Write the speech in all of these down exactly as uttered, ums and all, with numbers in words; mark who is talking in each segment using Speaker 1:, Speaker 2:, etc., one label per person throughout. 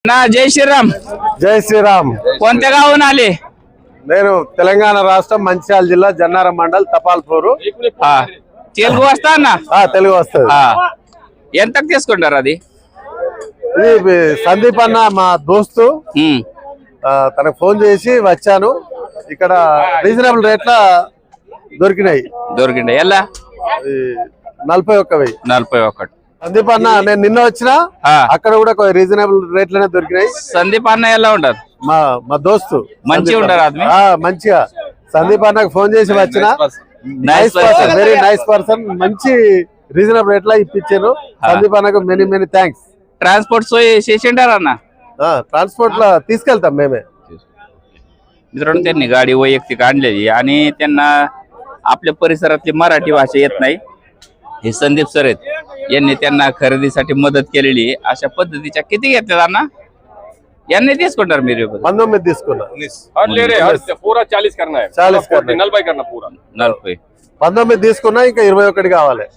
Speaker 1: ना जय श्रीराम.
Speaker 2: जय శ్రీరామ్.
Speaker 1: कोणत्या गावून आले?
Speaker 2: నేను తెలంగాణ రాష్ట్రం మంచిర్యాల జిల్లా జన్నారం మండల్ తపాల్పూరు.
Speaker 1: తెలుగు వస్తానా?
Speaker 2: తెలుగు వస్తుంది.
Speaker 1: ఎంతకు తీసుకుంటారు అది?
Speaker 2: ఇది సందీప్ అన్న మా దోస్తు, తనకు ఫోన్ చేసి వచ్చాను. ఇక్కడ రీజనబుల్ రేట్ల దొరికినాయి.
Speaker 1: దొరికినాయి ఎలా?
Speaker 2: నలభై ఒక్క వెయ్యి
Speaker 1: నలభై ఒకటి.
Speaker 2: సందీప్ అన్న నేను నిన్న వచ్చిన, అక్కడ కూడా రీజనబుల్ రేట్లనే దొరికినాయి.
Speaker 1: సందీప్ అన్న ఎలా ఉంటారు?
Speaker 2: మా మా దోస్తు
Speaker 1: మంచిగా ఉంటారు.
Speaker 2: మంచిగా సందీప్ అన్నకు ఫోన్ చేసి వచ్చిన. Nice person, very nice person. మంచి రీజనబుల్ రేట్ల ఇప్పించారు. సందీప్ అన్నకు మెనీ మెనీ థ్యాంक्స్.
Speaker 1: ट्रान्सपोर्ट सोय शेषेंडार अण्णा
Speaker 2: ट्रान्सपोर्ट ला తీసుకెళ్తాం మేమే.
Speaker 1: मित्रांनो त्यांनी गाडी वैयक्तिक आणलेली आणि त्यांना आपल्या परिसरातली मराठी भाषा येत नाही. हे संदीप सर आहेत, यांनी त्यांना खरेदीसाठी मदत केलेली. अशा पद्धतीच्या किती घेतल्या अण्णा? यांनी తీసుకుంటారు మీరు?
Speaker 2: పంతొమ్మిది తీసుకున్నా.
Speaker 3: पूरा चालीस करना है.
Speaker 2: चालीस करना,
Speaker 3: नलभై करना पूरा.
Speaker 1: నలభై.
Speaker 2: పంతొమ్మిది తీసుకున్నా, ఇంకా ఇరవై ఒకటి కావాలి.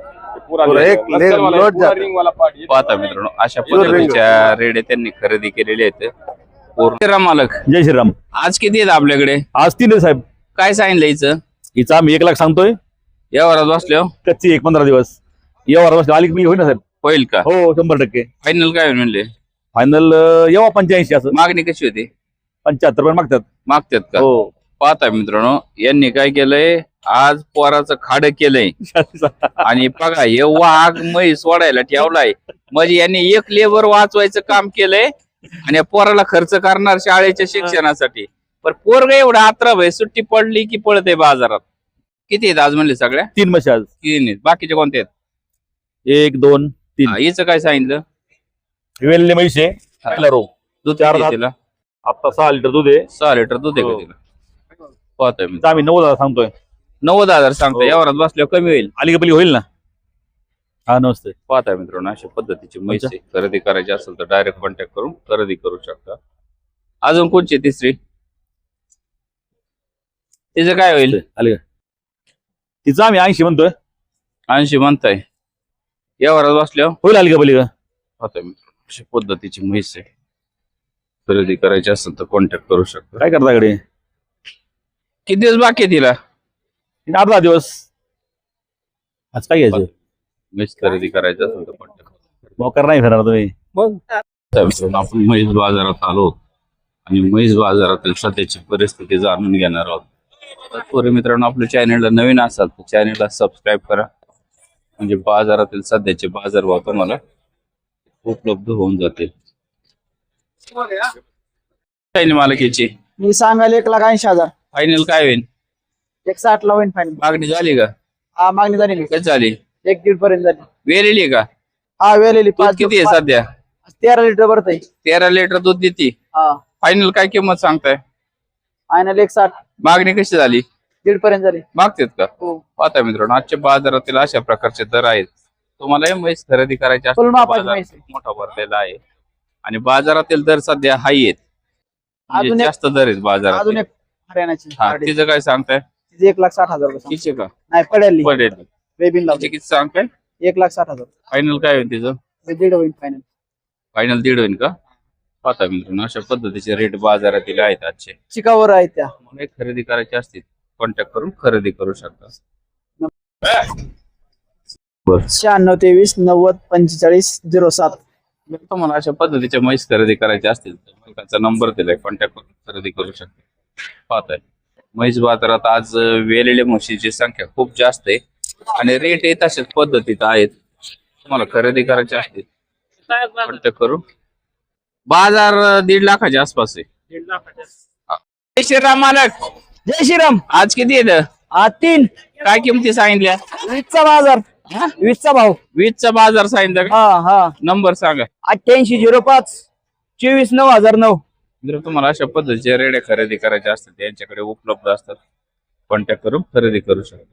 Speaker 1: पाहता मित्रांनो अशा पद्धतीच्या रेडे त्यांनी खरेदी केलेली आहेत. श्रीराम मालक.
Speaker 4: जय श्रीराम.
Speaker 1: आज किती आहेत आपल्याकडे?
Speaker 4: आज तीन आहे साहेब.
Speaker 1: काय सांगितलं हिचं?
Speaker 4: हिचा आम्ही एक लाख सांगतोय.
Speaker 1: या वरात बसलो
Speaker 4: कच्ची एक पंधरा दिवस या वरात बसलो. आली होईल ना साहेब?
Speaker 1: होईल का?
Speaker 4: हो शंभर टक्के.
Speaker 1: फायनल काय म्हणले?
Speaker 4: फायनल येवा पंच्याऐंशी. असं
Speaker 1: मागणी कशी होती?
Speaker 4: पंच्याहत्तर पण मागतात.
Speaker 1: मागतात का?
Speaker 4: हो.
Speaker 1: पाहता मित्रांनो यांनी काय केलंय, आज पोराचं खाड केलंय आणि बघा हे वाघ म्हैस सोडायला ठेवलाय. म्हणजे यांनी एक लेबर वाचवायचं काम केलंय आणि पोराला खर्च करणार शाळेच्या शिक्षणासाठी. पण पोरग एवढा आत्रभ आहे, सुट्टी पडली की पळते बाजारात. किती आहेत आज म्हणले? सगळ्या
Speaker 4: तीन म्हशी आज.
Speaker 1: तीन आहेत. बाकीचे कोणते आहेत?
Speaker 4: एक दोन तीन.
Speaker 1: हिचं काय सांगितलं?
Speaker 4: वेल्ले म्हैस आहे.
Speaker 1: दूध
Speaker 4: चार
Speaker 1: किती आहे
Speaker 4: दात.
Speaker 1: तिला?
Speaker 4: आता सहा लिटर दूध आहे.
Speaker 1: सहा लिटर दूध आहे का
Speaker 4: हो.
Speaker 1: तिला? पाहतोय मी.
Speaker 4: आम्ही नव्वद हजार सांगतोय.
Speaker 1: नव्वद हजार सांगतो.
Speaker 4: हो.
Speaker 1: यावरात बसल्यावर कमी होईल.
Speaker 4: आली का पली होईल ना? हा नमस्ते.
Speaker 1: पाहताय मित्रांनो अशा पद्धतीची म्हैस आहे. खरेदी करायची असेल तर डायरेक्ट कॉन्टॅक्ट करून खरेदी करू शकता. अजून कोणची तिसरी? तिचं काय होईल?
Speaker 4: आली का? तिचा आम्ही ऐंशी म्हणतोय.
Speaker 1: ऐंशी म्हणताय. यावरात बसल्यावर
Speaker 4: होईल. आली का पली का?
Speaker 1: पाहताय मित्रांनो अशा पद्धतीची म्हैस आहे. खरेदी करायची असेल तर कॉन्टॅक्ट करू शकता.
Speaker 4: काय करता कडे?
Speaker 1: किती दिवस बाकी आहे तिला?
Speaker 4: आठ दहा दिवस. आज काय घ्यायचं?
Speaker 1: म्हैस खरेदी करायची असेल तर कॉन्टॅक्ट.
Speaker 4: मोकर नाही फिरणार तुम्ही
Speaker 1: मग आपण म्हैस बाजारात आलो आणि म्हैस बाजारातील सध्याची परिस्थिती जाणून घेणार आहोत. तत्पूर्वी मित्रांनो आपल्या चॅनलला नवीन असाल तर चॅनलला सबस्क्राईब करा, म्हणजे बाजारातील सध्याचे बाजारभाव तुम्हाला उपलब्ध होऊन जातील. मालकीची
Speaker 5: मी सांगायला एक लाख ऐंशी हजार.
Speaker 1: फायनल काय होईल?
Speaker 5: एक साठ ला होईल फायनल.
Speaker 1: मागणी झाली का?
Speaker 5: हा मागणी झाली.
Speaker 1: कशी झाली?
Speaker 5: एक दीड पर्यंत झाली.
Speaker 1: वेलेली का?
Speaker 5: हा वेलेली.
Speaker 1: दूध किती आहे सध्या?
Speaker 5: तेरा लिटर भरत आहे.
Speaker 1: तेरा लिटर दूध देते.
Speaker 5: हा
Speaker 1: फायनल काय किंमत सांगताय?
Speaker 5: फायनल एक साठ.
Speaker 1: मागणी कशी झाली?
Speaker 5: दीड पर्यंत झाली.
Speaker 1: मागतात का?
Speaker 5: हो.
Speaker 1: पाहता मित्रांनो आजच्या बाजारातील अशा प्रकारचे दर आहेत. तुम्हाला म्हैस खरेदी करायची
Speaker 5: फुल
Speaker 1: असेल
Speaker 5: मापाची
Speaker 1: बाजार
Speaker 5: म्हैस आहे.
Speaker 1: खूप मोठा भरलेला आहे आणि बाजारातील दर सध्या हाय आहेत. म्हणजे
Speaker 5: अजून एक-
Speaker 1: जास्त दर आहेत बाजारात.
Speaker 5: अजून एक हरियाणाची
Speaker 1: हा
Speaker 5: गाडी.
Speaker 1: तिचं काय सांगताय?
Speaker 5: तिची एक लाख साठ हजार रुपये सांग.
Speaker 1: तिचे का?
Speaker 5: नाही पडेल.
Speaker 1: पडेल.
Speaker 5: बेबीन
Speaker 1: तिचे
Speaker 5: लावली.
Speaker 1: किती सांगताय?
Speaker 5: एक लाख साठ हजार.
Speaker 1: फायनल काय होईल तिचं?
Speaker 5: ते दीड होईल फायनल.
Speaker 1: फायनल दीड होईल का? पाहता मित्रांनो अशा पद्धतीचे रेट बाजारातील आहेत आजचे.
Speaker 5: चिकावर आहे त्या.
Speaker 1: मला एक खरेदी करायची असतील कॉन्टॅक्ट करून खरेदी करू शकता.
Speaker 5: शहाण्णव तेवीस नव्वद पंचेचाळीस झिरो सात.
Speaker 1: जर तुम्हाला अशा पद्धतीच्या म्हैस खरेदी करायची असतील तर मालकाचा नंबर दिलाय, कॉन्टॅक्ट करून खरेदी करू शकता. पाहताय म्हैस बाजारात आज वेलेल्या म्हशीची संख्या खूप जास्त आहे आणि रेट हे तशाच पद्धतीत आहेत. तुम्हाला खरेदी करायची असतील कॉन्टॅक्ट करू. बाजार दीड लाखाच्या आसपास आहे. दीड लाखाच्या. जय श्रीराम मालक.
Speaker 5: जय श्रीराम.
Speaker 1: आज किती येतं?
Speaker 5: हा तीन.
Speaker 1: काय किमती सांगितल्या?
Speaker 5: वीसचा बाजार. वीसचा भाव.
Speaker 1: वीसचा बाजार सांगितलं का?
Speaker 5: हा हा.
Speaker 1: नंबर सांगा.
Speaker 5: अठ्ठ्याऐंशी झिरो पाच चोवीस नऊ हजार नऊ.
Speaker 1: जर तुम्हाला अशा पद्धतीचे रेडे खरेदी करायचे असतात त्यांच्याकडे उपलब्ध असतात. कॉन्टॅक्ट करून खरेदी करू शकता.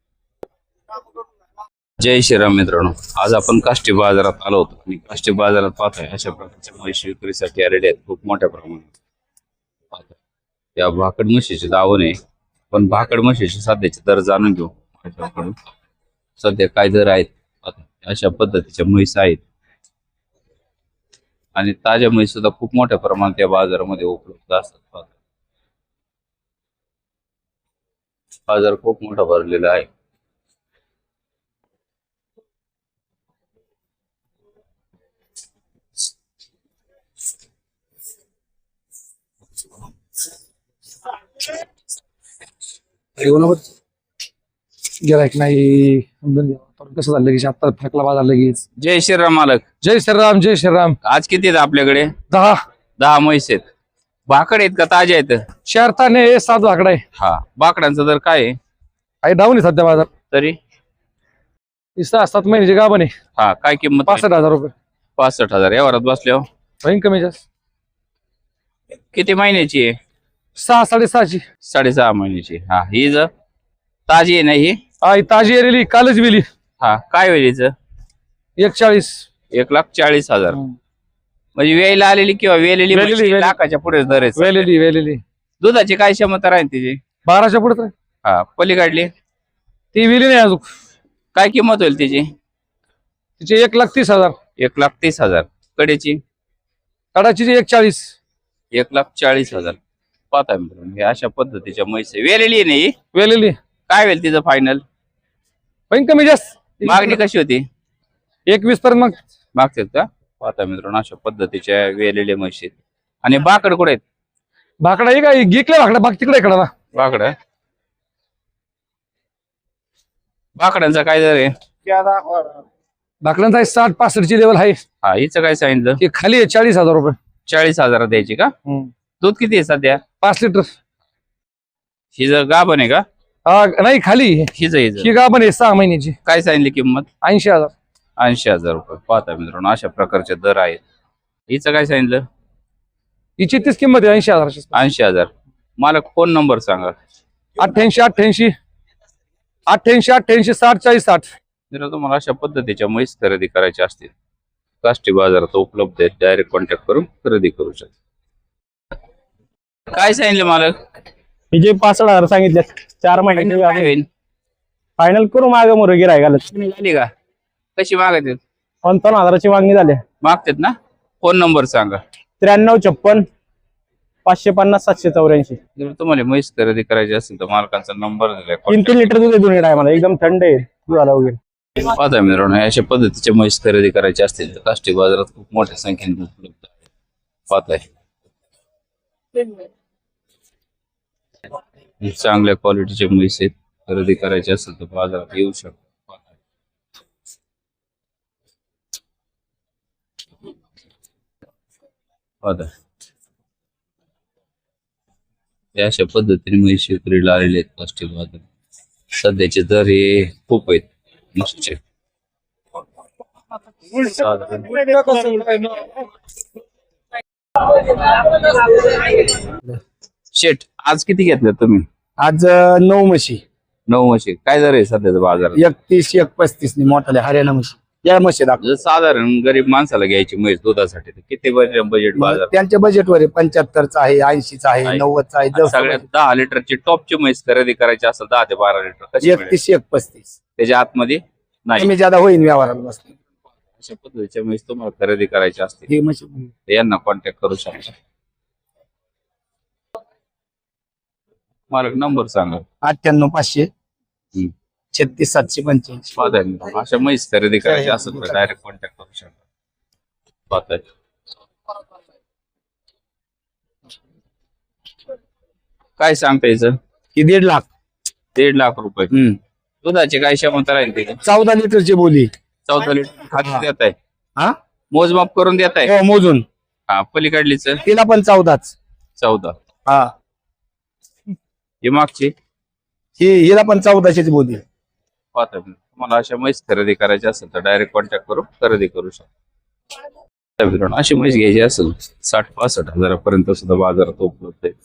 Speaker 1: जय श्रीराम मित्रांनो, आज आपण काष्टी बाजारात आलो होतो आणि काष्टी बाजारात पाहतोय अशा प्रकारच्या म्हशी विक्रीसाठी रेडे आहेत खूप मोठ्या प्रमाणात. पाहतोय त्या भाकड म्हशीचे दावण आहे, पण भाकड म्हशीचे सध्याचे दर जाणून घेऊ. सध्या काय दर आहेत अशा पद्धतीच्या म्हैस आहेत आणि ताज्या म्हैस सुद्धा खूप मोठ्या प्रमाणात या बाजारामध्ये उपलब्ध असतात. बाजार खूप मोठा भरलेला आहे.
Speaker 6: गिरायक नाही समजून घ्या. पण कसं झालं लगेच आता फेकला बाजार लगेच.
Speaker 1: जय श्रीराम मालक.
Speaker 6: जय श्रीराम जय श्रीराम.
Speaker 1: आज किती आहेत आपल्याकडे?
Speaker 6: दहा
Speaker 1: दहा म्हैस आहेत. भाकड आहेत का ताज्या आहेत?
Speaker 6: चार ताने आहे, सात वाकडा आहे.
Speaker 1: हा, बाकडांचा दर काय आहे
Speaker 6: आई डाऊन आहे सध्या बाजार.
Speaker 1: तरी?
Speaker 6: ही सहा सात महिन्याची गाभण आहे.
Speaker 1: हा, काय किंमत?
Speaker 6: पासष्ट हजार रुपये.
Speaker 1: पासष्ट हजार यावरात बसल्यावर
Speaker 6: होईन कमी जास्त.
Speaker 1: किती महिन्याची आहे?
Speaker 6: सहा साडेसहाची.
Speaker 1: साडेसहा महिन्याची. हा, ही ज ताजी आहे ना ही?
Speaker 6: आई ताजी आलेली कालच विली.
Speaker 1: हा, काय होईल हिचं?
Speaker 6: एक चाळीस.
Speaker 1: एक लाख चाळीस हजार म्हणजे वेळेला आलेली किंवा वेलेली
Speaker 6: वेलेली,
Speaker 1: म्हशी
Speaker 6: वेलेली.
Speaker 1: लाखाच्या पुढे दर आहे.
Speaker 6: वेलेली वेलेली.
Speaker 1: दुधाची काय क्षमता राहील तिची?
Speaker 6: बाराच्या पुढे तर
Speaker 1: हा, पलीकडली
Speaker 6: ती विली नाही अजून.
Speaker 1: काय किंमत होईल तिची?
Speaker 6: तिचे एक लाख तीस हजार.
Speaker 1: एक लाख तीस हजार. कडेची?
Speaker 6: कडाची एक चाळीस.
Speaker 1: एक लाख चाळीस हजार. पाहता मित्रांनो, हे अशा पद्धतीच्या म्हैस आहे. वेलेली आहे नाही?
Speaker 6: वेलेली.
Speaker 1: काय होईल तिचं फायनल?
Speaker 6: होईन कमी जास्त.
Speaker 1: मागणी कशी होती?
Speaker 6: एकवीस पर्यंत मग
Speaker 1: मागतात का? पाहता मित्रांनो, अशा पद्धतीच्या वेलेल्या म्हशी आहेत. आणि बाकड कुठे आहेत?
Speaker 6: भाकडा आहे काय गिकल्या भाकडा बाग तिकडे इकडे ना.
Speaker 1: बाकड बाकडांचा काय दर आहे?
Speaker 6: भाकड्यांचा आहे साठ पासष्टची लेवल आहे.
Speaker 1: हा, हिचं काय सांगितलं?
Speaker 6: ही खाली आहे चाळीस हजार रुपये.
Speaker 1: चाळीस हजार द्यायची का? दूध किती आहे सध्या?
Speaker 6: पाच लिटर.
Speaker 1: हिचं गाभण आहे का?
Speaker 6: हा नाही खाली
Speaker 1: हिचं हिचं
Speaker 6: ही गाभण आहे सहा महिन्याची.
Speaker 1: काय सांगितली किंमत?
Speaker 6: ऐंशी हजार.
Speaker 1: ऐंशी हजार रुपये. पाहता मित्रांनो, अशा प्रकारचे दर आहेत. हिचं काय सांगितलं?
Speaker 6: हिची तीच किंमत आहे ऐंशी हजाराची.
Speaker 1: ऐंशी हजार. मला फोन नंबर सांगा.
Speaker 6: अठ्ठ्याऐंशी अठ्ठ्याऐंशी अठ्ठ्याऐंशी अठ्ठ्याऐंशी साठ चाळीस साठ.
Speaker 1: जर तुम्हाला अशा पद्धतीच्या म्हैस खरेदी करायच्या असतील, काष्टी बाजारात उपलब्ध आहेत. डायरेक्ट कॉन्टॅक्ट करून खरेदी करू शकता. काय सांगितलं मालक?
Speaker 4: हिचे पासष्ट हजार सांगितले. चार
Speaker 1: काय
Speaker 4: महिने
Speaker 1: होईल?
Speaker 4: फायनल करू मागे मोर गिराय घालत.
Speaker 1: झाली का? कशी मागत आहेत?
Speaker 4: पंचावन्न हजाराची मागणी झाली.
Speaker 1: मागतात ना? फोन नंबर सांगा.
Speaker 4: त्र्याण्णव छप्पन पाचशे पन्नास सातशे चौऱ्याऐंशी.
Speaker 1: जर तुम्हाला म्हैस खरेदी करायची असेल तर मालकांचा नंबर दिलाय.
Speaker 4: तीन तीन लिटर दूध आहे दोन्ही टायमाला. एकदम थंड आहे दुधाला वगैरे.
Speaker 1: पाहता मित्रांनो, अशा पद्धतीच्या म्हैस खरेदी करायची असतील तर काष्टी बाजारात खूप मोठ्या संख्येने उपलब्ध आहे. पाहताय चांगल्या क्वालिटीचे म्हैस आहेत. खरेदी करायचे असेल तर बाजारात येऊ शकतो. पाहताय अशा पद्धतीने म्हैस विक्रीला आलेले आहेत काष्टी बाजारात. सध्याचे दर हे खूप आहेत म्हशीचे. शेठ, आज किती घेतले तुम्ही?
Speaker 5: आज नऊ म्हशी.
Speaker 1: नऊ म्हशी. काय दर आहे सध्याचा बाजारात?
Speaker 5: एकतीस एक पस्तीस मोठाले हरियाणा म्हशी. या म्हशी दाखव.
Speaker 1: जर साधारण गरीब माणसाला घ्यायची म्हैस दुधासाठी तर किती बजेट बाजार?
Speaker 5: त्यांच्या बजेटवर आहे. पंच्याहत्तरचा आहे, ऐंशीचा आहे,
Speaker 1: आहे.
Speaker 5: नव्वदचा आहे. जसं
Speaker 1: सगळ्यात दहा लिटरची टॉपची म्हैस खरेदी करायची असेल दहा ते बारा लिटर कशी मिळेल?
Speaker 5: एकतीस एक पस्तीस
Speaker 1: त्याच्या आतमध्ये नाही.
Speaker 5: कमी ज्यादा होईल व्यवहाराला बसते.
Speaker 1: अशा पद्धतीच्या म्हैस तुम्हाला खरेदी करायची असतील
Speaker 5: ही म्हशी
Speaker 1: तर यांना कॉन्टॅक्ट करू शकता. मालक नंबर सांगा.
Speaker 5: अठ्ठ्याण्णव पाचशे
Speaker 1: हम्म.
Speaker 5: छत्तीस सातशे पंच्याऐंशी.
Speaker 1: पाहताय अशा म्हैस खरेदी करायची असेल तर डायरेक्ट कॉन्टॅक्ट करू शकता. पाहताय काय सांगता याचं?
Speaker 5: ही दीड लाख.
Speaker 1: दीड लाख रुपये.
Speaker 5: हम्म.
Speaker 1: दुधाची काय क्षमता राहील तिथे?
Speaker 5: चौदा लिटरची बोली.
Speaker 1: चौदा लिटर खाली देत आहे.
Speaker 5: हा
Speaker 1: मोजमाप करून देत आहे.
Speaker 5: हो मोजून.
Speaker 1: हा, पलीकडलीच
Speaker 5: तिला पण चौदाच.
Speaker 1: चौदा.
Speaker 5: हा
Speaker 1: ही मागची
Speaker 5: ही हिला पण चौदाशेच बोली.
Speaker 1: पाहता तुम्हाला अशा म्हैस खरेदी करायची असेल तर डायरेक्ट कॉन्टॅक्ट करून खरेदी करू शकता. मित्रांनो, अशी म्हैस घ्यायची असेल साठ पासष्ट हजारापर्यंत सुद्धा बाजारात उपलब्ध आहे.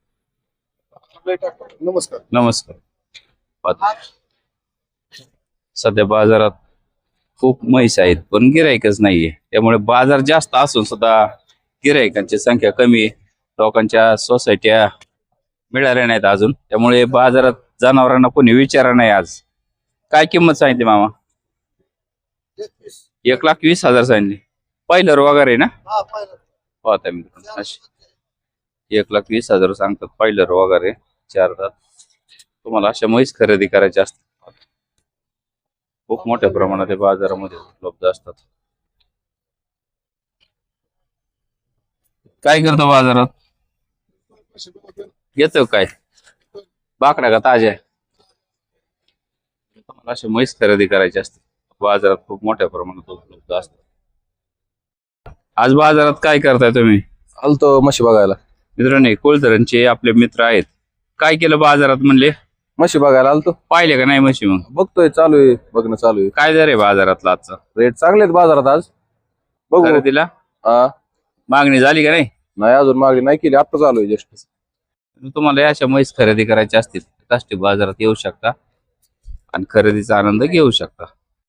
Speaker 2: नमस्कार.
Speaker 1: नमस्कार. पाहता सध्या बाजारात खूप म्हैस आहेत पण गिराईकच नाहीये. त्यामुळे बाजार जास्त असून सुद्धा गिराईकांची संख्या कमी आहे. लोकांच्या सोसायट्या मिळाल्या नाहीत अजून. त्यामुळे बाजारात जनावरांना कोणी विचारा नाही. आज काय किंमत सांगितली मामा? एक लाख वीस हजार सांगितली. पहिलं वगैरे ना पाहताय मित्रांनो अशी एक लाख वीस हजार सांगतात पहिलं वगैरे चार दात. तुम्हाला अशा म्हैस खरेदी करायच्या असतात खूप मोठ्या प्रमाणात हे बाजारामध्ये उपलब्ध असतात. काय करतो बाजारात घेतो काय बाकडा का ताज्या तुम्हाला अशा म्हैस खरेदी करायची असते बाजारात खूप मोठ्या प्रमाणात उपलब्ध असतात. आज बाजारात काय करताय तुम्ही?
Speaker 7: आलतो म्हशी बघायला.
Speaker 1: मित्रांनो कोळधरणचे आपले मित्र आहेत. काय केलं बाजारात म्हणले?
Speaker 7: म्हशी बघायला आलतो.
Speaker 1: पाहिले का नाही म्हशी? मग
Speaker 7: बघतोय, चालू आहे, बघणं चालू आहे.
Speaker 1: काय दर आहे बाजारातला आजचा?
Speaker 7: रेट चांगले आहेत बाजारात आज. बघू.
Speaker 1: खरेदीला
Speaker 7: हा
Speaker 1: मागणी झाली का नाही?
Speaker 7: नाही अजून मागणी नाही केली, आता चालू आहे जस्ट.
Speaker 1: तुम्हाला या अशा म्हैस खरेदी करायच्या असतील काष्टी बाजारात येऊ शकता आणि खरेदीचा आनंद घेऊ शकता.